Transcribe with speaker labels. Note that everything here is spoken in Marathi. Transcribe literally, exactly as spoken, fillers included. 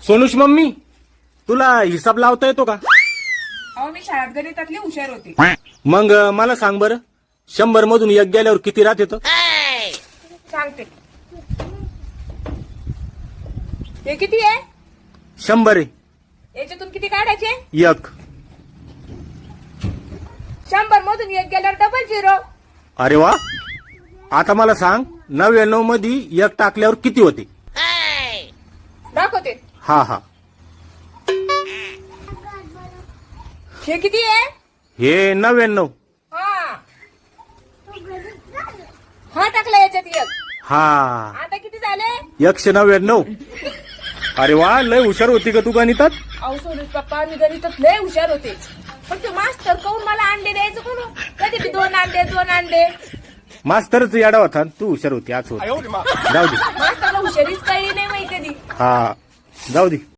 Speaker 1: सोनूश मम्मी, तुला हिसाब लावता येतो का?
Speaker 2: अहो मी शाळेत गणितातली हुशार होते.
Speaker 1: मग अं, मला सांग बरं, शंभर मधून एक गेल्यावर किती राहत येतं?
Speaker 2: सांगते. हे किती आहे?
Speaker 1: शंभर आहे.
Speaker 2: याच्यातून किती काढायचे?
Speaker 1: एक.
Speaker 2: शंभर मधून एक गेल्यावर डबल झिरो.
Speaker 1: अरे वा. आता मला सांग, नव्याण्णव मध्ये एक टाकल्यावर किती होते?
Speaker 2: दाखवते.
Speaker 1: हा हा.
Speaker 2: हे किती आहे?
Speaker 1: हे नव्याण्णव.
Speaker 2: हा हा टाकला याच्यात एक.
Speaker 1: हा.
Speaker 2: आता किती झाले?
Speaker 1: एकशे नव्याण्णव. अरे वा, लय हुशार होती का तू गणितात?
Speaker 2: अहो सोनूज पप्पा, मी गणितात लय हुशार होते. पण ते मास्तर कहून मला अंडे द्यायचं कोण? कधी बी दोन अंडे दोन अंडे.
Speaker 1: मास्तरच याडा होता, तू हुशार होती आज होत. जाऊ दे.
Speaker 2: मास्तरला हुशारीच कळली नाही माहिती कधी.
Speaker 1: हा, जाऊ दे.